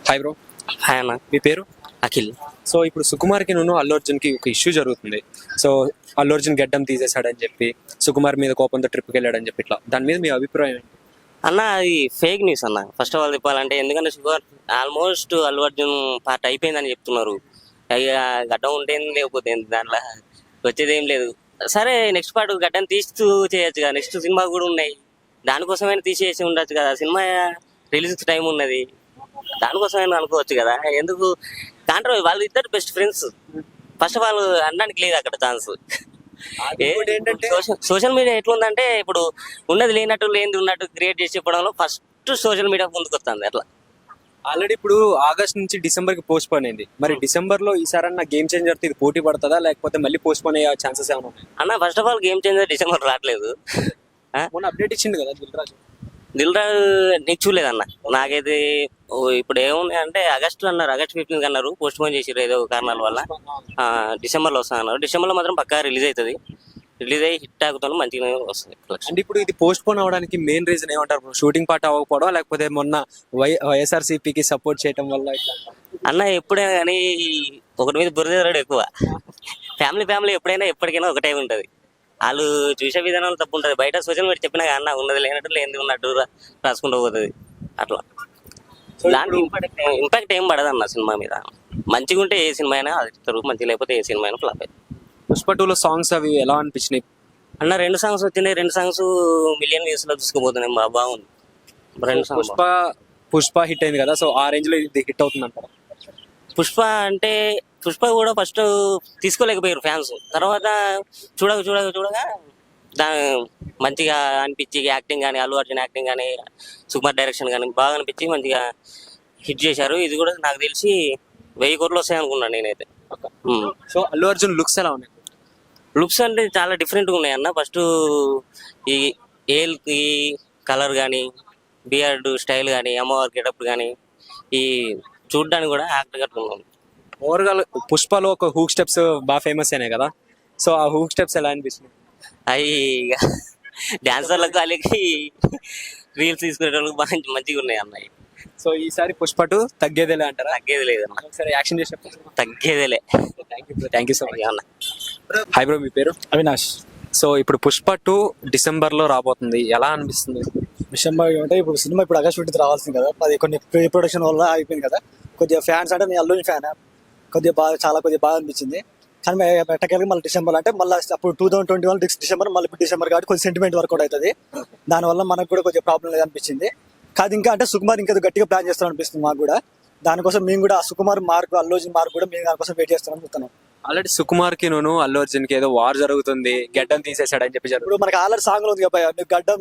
Hi bro. Hi అన్న. మీ పేరు? Akhil. So ఇప్పుడు సుకుమార్కి అల్లు అర్జున్కి ఒక ఇష్యూ జరుగుతుంది. సో అల్లు అర్జున్ గడ్డం తీసేశాడని చెప్పి సుకుమార్ మీద కోపంతో ట్రిప్కి వెళ్ళాడని చెప్పి ఇట్లా దాని మీద మీ అభిప్రాయం ఏంటి? అన్న అది ఫేక్ న్యూస్ అన్న. ఫస్ట్ ఆఫ్ ఆల్ చెప్పాలంటే, ఎందుకంటే sugar almost Allu Arjun part అయిపోయిందని చెప్తున్నారు. ఇక గడ్డం ఉంటేంది లేకపోతే ఏంది, దాంట్లో వచ్చేది ఏం లేదు. సరే నెక్స్ట్ పార్ట్ గడ్డం తీస్తూ చేయొచ్చు కదా, నెక్స్ట్ సినిమా కూడా ఉన్నాయి, దానికోసమైనా తీసేసి ఉండొచ్చు కదా. సినిమా రిలీజ్ టైం ఉన్నది, దానికోసమైనా అనుకోవచ్చు కదా. ఎందుకు కాంట్రవర్సీ? వాళ్ళు ఇద్దరు best friends. First of all అనడానికి లేదు అక్కడ ఛాన్స్. సోషల్ మీడియా ఎట్లుందంటే, ఇప్పుడు ఉన్నది లేనట్టు లేనిది ఉన్నట్టు క్రియేట్ చేసి చెప్పడంలో ఫస్ట్ సోషల్ మీడియా ముందుకు వస్తుంది. అట్లా ఆల్రెడీ ఇప్పుడు ఆగస్ట్ నుంచి డిసెంబర్ కి పోస్ట్ పోన్ అయింది. మరి డిసెంబర్ లో ఈసారన్నా గేమ్ చేంజర్ ఇది పోటీ పడుతుందా, లేకపోతే మళ్ళీ పోస్ట్ పోన్ అయ్యే ఛాన్సెస్ ఏమైనా ఉన్నాయి? అన్న first of all game changer December రావట్లేదు. మొన్న అప్డేట్ ఇచ్చింది కదా దిల్ రాజు, నీకు చూడలేదన్న. నాకైతే ఇప్పుడు ఏముంది అంటే, ఆగస్టు అన్నారు, ఆగస్ట్ 15 అన్నారు, పోస్ట్ పోన్ చేసారు ఏదో కారణాల వల్ల. డిసెంబర్లో వస్తా అన్నారు. డిసెంబర్లో మాత్రం పక్కా రిలీజ్ అవుతుంది. రిలీజ్ అయ్యి హిట్ ఆగుతాను, మంచిగా వస్తుంది. అంటే ఇప్పుడు ఇది పోస్ట్ పోన్ అవడానికి మెయిన్ రీజన్ ఏమంటారు? షూటింగ్ పార్ట్ అవ్వకపోవడం, లేకపోతే మొన్న వైఎస్ఆర్సీపీకి సపోర్ట్ చేయడం వల్ల? అన్న ఎప్పుడైనా కానీ ఒకటి మీద బురద ఎక్కువ. ఫ్యామిలీ ఎప్పుడైనా ఎప్పటికైనా ఒకటే ఉంటుంది. వాళ్ళు చూసే విధానాలు తప్పు ఉంటుంది. బయట సోషల్ మీడియా చెప్పినా అన్న ఉన్నది లేనట్టు లేనిది ఉన్నట్టు రాసుకుంటూ పోతుంది. అట్లా దాంట్లో ఇంపాక్ట్ ఏం పడదు అన్న సినిమా మీద. మంచిగా ఉంటే ఏ సినిమా అయినా అది, మంచిగా లేకపోతే ఏ సినిమా అయినా ఫ్లాప్ అవుతుంది. పుష్ప 2లో సాంగ్స్ అవి ఎలా అనిపించినాయి అన్న? 2 సాంగ్స్ వచ్చినాయి, 2 సాంగ్స్ మిలియన్ వ్యూస్ లో తీసుకుపోతున్నాయి. బాగుంది. 2 సాంగ్స్. పుష్ప హిట్ అయింది కదా, సో ఆ రేంజ్ లో ఇది హిట్ అవుతుంది అంటారా? పుష్ప కూడా ఫస్ట్ తీసుకోలేకపోయారు ఫ్యాన్స్. తర్వాత చూడగా మంచిగా అనిపించి, యాక్టింగ్ కానీ, అల్లు అర్జున్ యాక్టింగ్ కానీ, సుకుమార్ డైరెక్షన్ కానీ బాగా అనిపించి మంచిగా హిట్ చేశారు. ఇది కూడా నాకు తెలిసి 1000 కోట్లు వస్తాయి అనుకున్నాను నేనైతే. సో అల్లు అర్జున్ లుక్స్ ఎలా ఉన్నాయి? లుక్స్ అంటే చాలా డిఫరెంట్గా ఉన్నాయి అన్న. ఫస్ట్ ఈ ఈ కలర్ కానీ, బియర్డ్ స్టైల్ కానీ, అమ్మవారి గెటప్ కానీ, ఈ చూడ్డానికి కూడా యాక్టర్ కట్టుకున్నాం. ఓవరాల్ పుష్పలో ఒక హూక్ స్టెప్స్ బాగా ఫేమస్ అయినాయి కదా, సో ఆ హూక్ స్టెప్స్ ఎలా అనిపిస్తుంది? అవి డాన్సర్లకు వాళ్ళకి రీల్స్ తీసుకునే వాళ్ళకి బాగా మంచిగా ఉన్నాయి అన్నయ్య. సో ఈసారి పుష్ప 2 తగ్గేదేలే అంటారా? తగ్గేది లేదన్న, ఒకసారి యాక్షన్ చేసి తగ్గేదేలే. థ్యాంక్ యూ సో మచ్ అన్న. హాయ్ బ్రో, మీ పేరు? అవినాష్. సో ఇప్పుడు పుష్ప 2 డిసెంబర్ లో రాబోతుంది, ఎలా అనిపిస్తుంది? డిసెంబర్ అంటే ఇప్పుడు సినిమా ఇప్పుడు ఆగస్ట్ 15 రావాల్సింది కదా, అది కొన్ని ప్రీ ప్రొడక్షన్ వల్ల అయిపోయింది కదా. కొద్దిగా ఫ్యాన్స్ అంటే నేను అల్లుని ఫ్యాన్, కొద్దిగా బాగా అనిపించింది. కానీ ఎట్టకెళ్ళి మళ్ళీ డిసెంబర్ అంటే మళ్ళీ అప్పుడు 2021 డిసెంబర్, మళ్ళీ ఇప్పుడు డిసెంబర్ కాబట్టి కొంచెం సెంటిమెంట్ వర్క్ అవుతుంది. దానివల్ల మనకు కూడా కొంచెం ప్రాబ్లం లేదు అనిపించింది. కాదు ఇంకా అంటే సుకుమార్ ఇంకా గట్టిగా ప్లాన్ చేస్తాం అనిపిస్తుంది మాకు కూడా. దానికోసం మేము కూడా సుకుమార్ మార్క్, అల్లు అర్జున్ మార్క్ కూడా మేము దానికోసం వెయిట్ చేస్తాం అనుకుంటున్నాం. ఆల్రెడీ సుకుమార్ కి అల్లు అర్జున్ కి ఏదో వార్ జరుగుతుంది, గడ్డం తీసేసాడని చెప్పి. ఇప్పుడు మనకి ఆల్రెడీ సాంగ్ ఉంది కదా,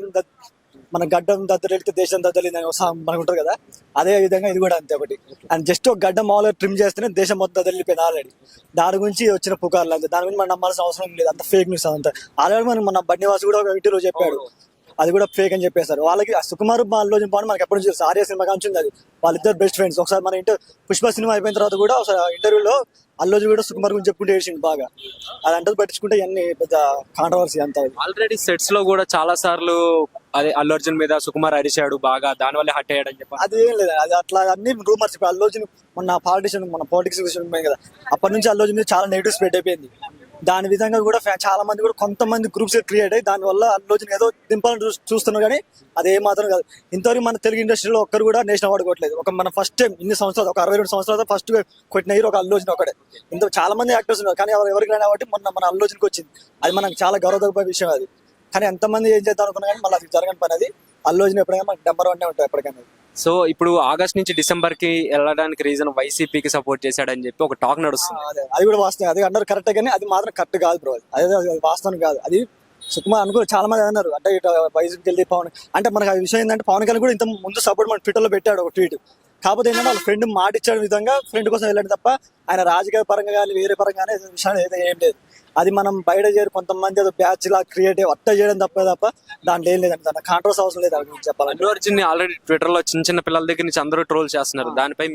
మన గడ్డం దద్దరితే దేశం దద్దలింది అని సాంగ్ మనకు ఉంటుంది కదా, అదే విధంగా ఇది కూడా అంతే. ఒకటి అండ్ జస్ట్ ఒక గడ్డం మామూలుగా ట్రిమ్ చేస్తేనే దేశం మొత్తం దద్దలిపోయింది ఆల్రెడీ. దాని గురించి వచ్చిన పుకార్లు అంతే, దాని గురించి మనం నమ్మాల్సిన అవసరం లేదు. అంత ఫేక్ న్యూస్ అంతా. ఆల్రెడీ మన బన్నివాస్ కూడా ఒక ఇంటర్వ్యూలో చెప్పాడు, అది కూడా ఫేక్ అని చెప్పేశారు. వాళ్ళకి సుకుమార్ అల్లు అర్జున్ బాగుంది మనకి ఎప్పటి నుంచి ఆర్య సినిమా కాంచి అది, వాళ్ళిద్దరు బెస్ట్ ఫ్రెండ్స్. ఒకసారి మన పుష్ప సినిమా అయిపోయిన తర్వాత కూడా ఒకసారి ఇంటర్వ్యూలో అల్లు అర్జున్ కూడా సుకుమార్ గురించి చెప్పుకుంటే ఏడ్చిండు బాగా. అది అంటే పట్టించుకుంటే ఇవన్నీ పెద్ద కాంట్రవర్సీ అంతా. ఆల్రెడీ సెట్స్ లో కూడా చాలా సార్లు అదే అల్లు అర్జున్ మీద సుకుమార్ అరిచాడు బాగా, దాని వల్ల హట్ అయ్యాడని చెప్పి. అది ఏం లేదు, అది అట్లా అన్ని రూమర్స్. ఇప్పుడు అల్లు అర్జున్ మన పాలిటిక్స్ పోయింది కదా, అప్పటి నుంచి అల్లు అర్జున్ మీద చాలా నెగిటివ్ స్ప్రెడ్ అయిపోయింది. దాని విధంగా కూడా చాలా మంది కూడా కొంతమంది గ్రూప్స్ క్రియేట్ అయ్యి దాని వల్ల అల్లు అర్జున్ ఏదో దింపాలని చూస్తున్నారు. కానీ అది ఏ మాత్రం కాదు. ఇంతవరకు మన తెలుగు ఇండస్ట్రీలో ఒక్కరు కూడా నేషనల్ అవార్డు కొట్టలేదు. మన ఫస్ట్ టైం ఇన్ని సంవత్సరాలు, ఒక 62 సంవత్సరాలు ఫస్ట్ కొట్టిన హీరో ఒక అల్లు అర్జున్ ఒకటే. ఇంత చాలా మంది యాక్టర్స్ ఉన్నారు, కానీ ఎవరికి రాని కాబట్టి మన అల్లు అర్జున్కి వచ్చింది. అది మనకు చాలా గౌరవదగ్గ విషయం అది. కానీ ఎంతమంది ఏం చేద్దాం అనుకున్నా కానీ మళ్ళీ అది జరగని పని. అది అల్లు అర్జున్ ఎప్పుడైనా మనకు నెంబర్ 1 ఉంటుంది ఎప్పటికైనా. సో ఇప్పుడు ఆగస్ట్ నుంచి డిసెంబర్ కి వెళ్ళడానికి రీజన్ వైసీపీకి సపోర్ట్ చేశాడని చెప్పి ఒక టాక్ నడుస్తుంది. అది కూడా వాస్తవం, అది అన్నారు కరెక్ట్, కానీ అది మాత్రం కరెక్ట్ కాదు బ్రో. అది వాస్తవం కాదు. అది సుకుమార్ అనుకో చాలా మంది అన్నారు అంటే వైసీపీకి వెళ్ళి పవన్ అంటే మనకు ఆ విషయం ఏంటంటే, పవన్ కళ్యాణ్ కూడా ఇంత ముందు సపోర్ట్ మన ట్విట్టర్లో పెట్టాడు ఒక ట్వీట్. కాకపోతే ఏంటంటే వాళ్ళ ఫ్రెండ్ మాట ఇచ్చిన విధంగా ఫ్రెండ్ కోసం వెళ్ళండి తప్ప ఆయన రాజకీయ పరంగా కానీ వేరే పరంగానే విషయాన్ని అయితే ఏం లేదు. అది మనం బయట చేరి కొంతమంది ఏదో బ్యాచ్ లా క్రియేట్ అట్ట చేయడం తప్ప దాంట్లో ఏం లేదండి. దాని కాంట్రవర్సీ అవసరం లేదు చెప్పాలి. అల్లు అర్జున్ ఆల్రెడీ ట్విట్టర్ లో చిన్న పిల్లల దగ్గర నుంచి అందరూ ట్రోల్ చేస్తున్నారు, దానిపై మీరే?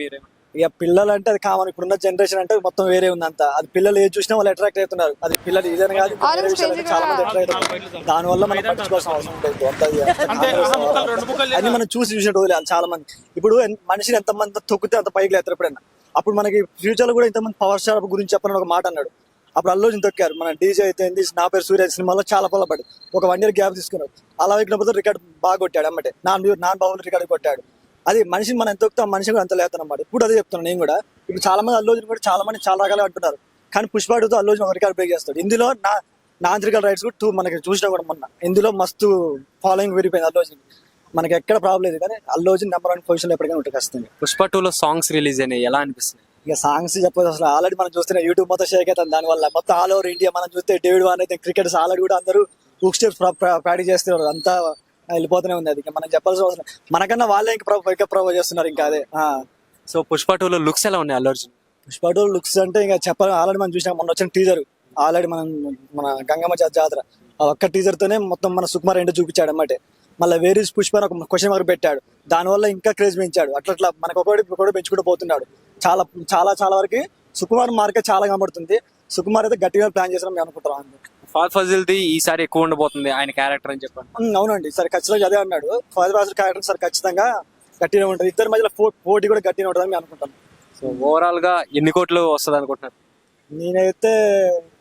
ఇక పిల్లలు అంటే అది కామన్, ఇప్పుడున్న జనరేషన్ అంటే మొత్తం వేరే ఉంది అంతా. అది పిల్లలు ఏది చూసినా వాళ్ళు అట్రాక్ట్ అవుతున్నారు. అది పిల్లలు ఇదని కాదు, ఇంకా వేరే విషయాలు చాలా మంది అట్రాక్ట్ అవుతున్నారు. దానివల్ల మనం పట్టించుకోవాల్సిన అవసరం లేదు. అది మనం చూసిన రోజులు చాలా మంది. ఇప్పుడు మనిషిని ఎంత మంది తొక్కితే అంత పైకి లేస్తారు ఎప్పుడైనా. అప్పుడు మనకి ఫ్యూచర్ లో కూడా ఇంతమంది పవర్ స్టార్ గురించి చెప్పని ఒక మాట అన్నాడు. అప్పుడు అల్లు అర్జున్ తొక్కారు. మన డీజే అయితే నా పేరు సూర్య సినిమాలో చాలా పొలపడి ఒక 1 year గ్యాప్ తీసుకున్నాడు. అలా ఎక్కినప్పుడు రికార్డ్ బాగా కొట్టాడు అమ్మటే. నాన్ బాబులు రికార్డు కొట్టాడు. అది మనిషిని మనం ఎంత తొక్కుతాం, మనిషి కూడా అంత లేతాను అన్నమాట. ఇప్పుడు అదే చెప్తున్నాను నేను కూడా. ఇప్పుడు చాలా మంది అల్లు అర్జున్ కూడా చాలా మంది చాలా రకాలుగా అంటున్నారు. కానీ పుష్ప 2తో అల్లు అర్జున్ ఒక రికార్డ్ బ్రేక్ చేస్తాడు. ఇందులో నాంత్రికల్ రైట్స్ కూడా 2 మనకి చూసినా కూడా మొన్న ఇందులో మస్తు ఫాలోయింగ్ పెరిగిపోయింది అల్లు అర్జున్. మనకి ఎక్కడ ప్రాబ్లం లేదు. కానీ అల్లు అర్జున్ నెంబర్ 1 పొజిషన్ లో ఎప్పటికైనా ఉంటుంది ఖచ్చితంగా. పుష్ప 2లో సాంగ్స్ రిలీజ్ అయినాయి, ఎలా అనిపిస్తుంది? ఇక సాంగ్స్ చెప్పదు అసలు. ఆల్రెడీ మనం చూస్తున్న యూట్యూబ్ మొత్తం షేక్ అవుతుంది దానివల్ల. మొత్తం ఆల్ ఓవర్ ఇండియా మనం చూస్తే డేవిడ్ వార్నర్ అయితే క్రికెటర్స్ ఆల్రెడీ కూడా అందరూ హుక్ స్టెప్స్ ప్రాక్టీస్ చేస్తున్నారు. అంతా వెళ్ళిపోతూనే ఉంది. అది ఇంకా మనం చెప్పాల్సిన అవసరం. మనకన్నా వాళ్ళే ఇంకా ప్రొవైడ్ చేస్తున్నారు ఇంకా అదే. సో పుష్ప 2లో లుక్స్ ఎలా ఉన్నాయి అల్లు అర్జున్? పుష్ప 2 లుక్స్ అంటే ఇంకా చెప్పాలి. ఆల్రెడీ మనం చూసినాం మొన్న వచ్చిన టీజర్. ఆల్రెడీ మన గంగమ్మ జాతర ఆ ఒక్క టీజర్ తోనే మొత్తం మన సుకుమార్ ఏంటో చూపించాడు అన్నమాట. మళ్ళీ వేరే పుష్ప అని ఒక క్వశ్చన్ మార్క్ పెట్టాడు. దానివల్ల ఇంకా క్రేజ్ పెంచాడు. అట్లా మనకు ఒకటి పెంచుకుంటూ పోతున్నాడు. చాలా చాలా చాలా వరకు సుకుమార్ మార్కెట్ చాలా కనబడుతుంది. సుకుమార్ అయితే గట్టిగా ప్లాన్ చేసాం మేము అనుకుంటున్నాం. ఫాద్ ఫజిల్ది ఈసారి ఎక్కువ ఉండబోతుంది ఆయన క్యారెక్టర్ అని చెప్పండి. అవునండి, సరే ఖచ్చితంగా అదే అన్నాడు. ఫాదర్ ఫాదర్ క్యారెక్టర్ సరే ఖచ్చితంగా గట్టిగా ఉంటుంది. ఇద్దరి మధ్యలో పోటీ కూడా గట్టిగా ఉంటుందని మేము అనుకుంటాం. సో ఓవరాల్ గా ఎన్ని కోట్లు వస్తుంది అనుకుంటున్నారు? నేనైతే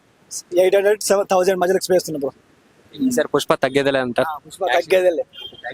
800-7,000 మధ్యలో ఎక్స్పెక్ట్ చేస్తున్నా బ్రో. ఈసారి పుష్ప తగ్గేదిలే అంటారు. పుష్ప తగ్గేదే.